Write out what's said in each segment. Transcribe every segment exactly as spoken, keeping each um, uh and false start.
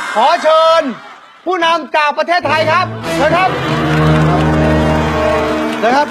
ขอเชิญ ผู้นำจากประเทศไทยครับเชิญครับเชิญครับ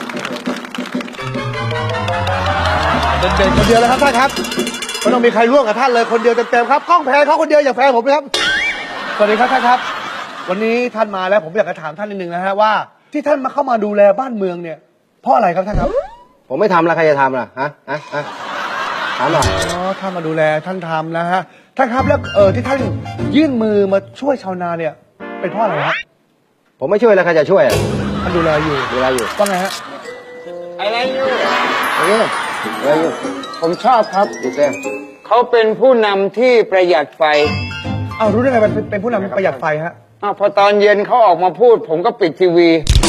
เด่นๆคนเดียวเลยครับท่านครับไม่ต้องมีใครร่วมกับท่านเลยคนเดียวเต็มๆครับกล้องแพนเขาคนเดียวอย่าแพนผมเลยครับสวัสดีครับท่านครับวันนี้ท่านมาแล้วผมอยากจะถามท่านนิดนึงนะฮะว่าที่ท่านมาเข้ามาดูแลบ้านเมืองเนี่ยเพราะอะไรครับท่านครับผมไม่ทำแล้วใครจะทำล่ะฮะฮะฮะถามหน่อยอ๋อท่านมาดูแลท่านทำนะฮะท่านครับแล้วเออที่ท่านยื่นมือมาช่วยชาวนาเนี่ยเป็นเพราะอะไรฮะผมไม่ช่วยแล้วใครจะช่วยอ่ะท่านดูแลอยู่ดูแลอยู่ว่าไงฮะอะไรอยู่อะไรอยู่อะไรอยู่ผมชอบครับดูเต้เขาเป็นผู้นำที่ประหยัดไฟเอารู้ได้ไงเป็นเป็นผู้นำประหยัดไฟฮะอ้าวพอตอนเย็นเขาออกมาพูด ผมก็ปิดทีวี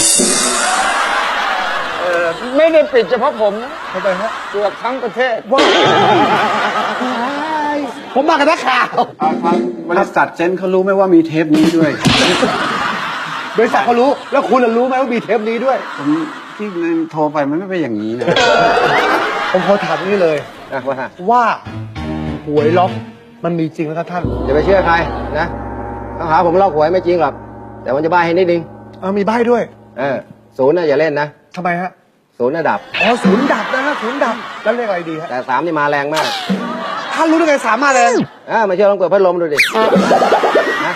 เออไม่ได้ปิดเฉพาะผมนะทำไมฮะเกือบทั้งประเทศว้ายผมมากับนักข่าวครับบริษัทเซนเขารู้ไหมว่ามีเทปนี้ด้วยบริษัทเขารู้แล้วคุณรู้ไหมว่ามีเทปนี้ด้วยผมที่โทรไปมันไม่เป็นอย่างนี้นะผมขอถามนี่เลยนะว่าว่าหวยล็อกมันมีจริงไหมครับท่านอย่าไปเชื่อใครนะต้องหาผมล็อกหวยไม่จริงหรอกแต่มันจะบ้าให้นิดนึงเออมีใบ้ด้วยเออศูนย์น่ะอย่าเล่นนะทำไมฮะศูนย์น่ะดับอ๋อศูนย์ดับนะฮะศูนย์ดับแล้วเลขอะไรดีฮะแต่สามนี่มาแรงมากท่านรู้ได้ไงสามมาแรงเออมาเชื่อลองเปิดพัดลมดูดินะ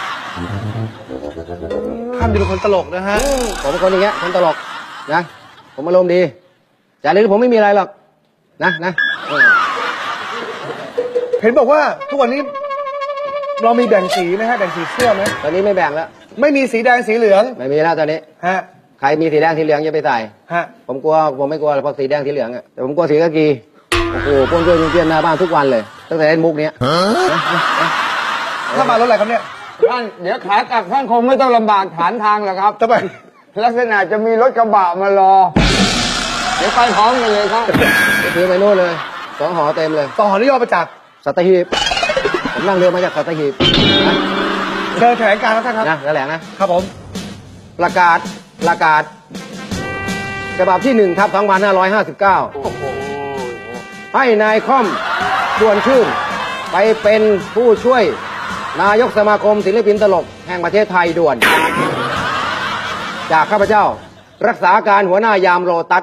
ท่านเป็นคนตลกนะฮะผมเป็นคนอย่างเงี้ยคนตลกนะผมอารมณ์ดีจากนี้ผมไม่มีอะไรหรอกนะนะเห็นบอกว่าทุกวันนี้เรามีแบ่งสีไหมฮะแบ่งสีเสื้อไหมตอนนี้ไม่แบ่งแล้วไม่มีสีแดงสีเหลืองไม่มีแล้วตอนนี้ฮะใครมีสีแดงสีเหลืองอย่าไปใส่ฮะผมกลัวผมไม่กลัวเพราะสีแดงสีเหลืองอ่ะแต่ผมกลัวสีกากีโอ้โหป้วนเปี้ยนเปี้ยนหน้าบ้านทุกวันเลยตั้งแต่เล่นมุกเนี้ยถ้ามารถอะไรครับเนี่ยท่านเดี๋ยวขากลับท่านคงไม่ต้องลำบากฐานทางหรอกครับทำไมลักษณะจะมีรถกระบะมารอเดี๋ยวไปพร้อมกันเลยครับซื้อไปนู่นเลยสองหอเต็มเลยสองหอนี่ย่อมาจากสัตหีบผมนั่งเรือมาจากสัตหีบเชิญแถลงการณ์ท่านครับนะแถลงนะครับผมประกาศประกาศฉบับที่หนึ่งทับสองพันห้าร้อยห้าสิบเก้าให้นายค่อมชวนชื่นไปเป็นผู้ช่วยนายกสมาคมศิลปินตลกแห่งประเทศไทยด่วนจากข้าพเจ้ารักษาการหัวหน้ายามโลตัส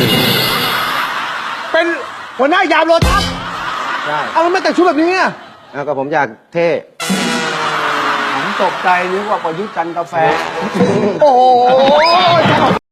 เป็นหัวหน้ายามโลตัสใช่เอาไม่แต่งชุดแบบนี้อ่ะแล้วก็ผมอยากเท่ผมตกใจนึกว่าประยุทธ์จันทร์กาแฟโอ้โห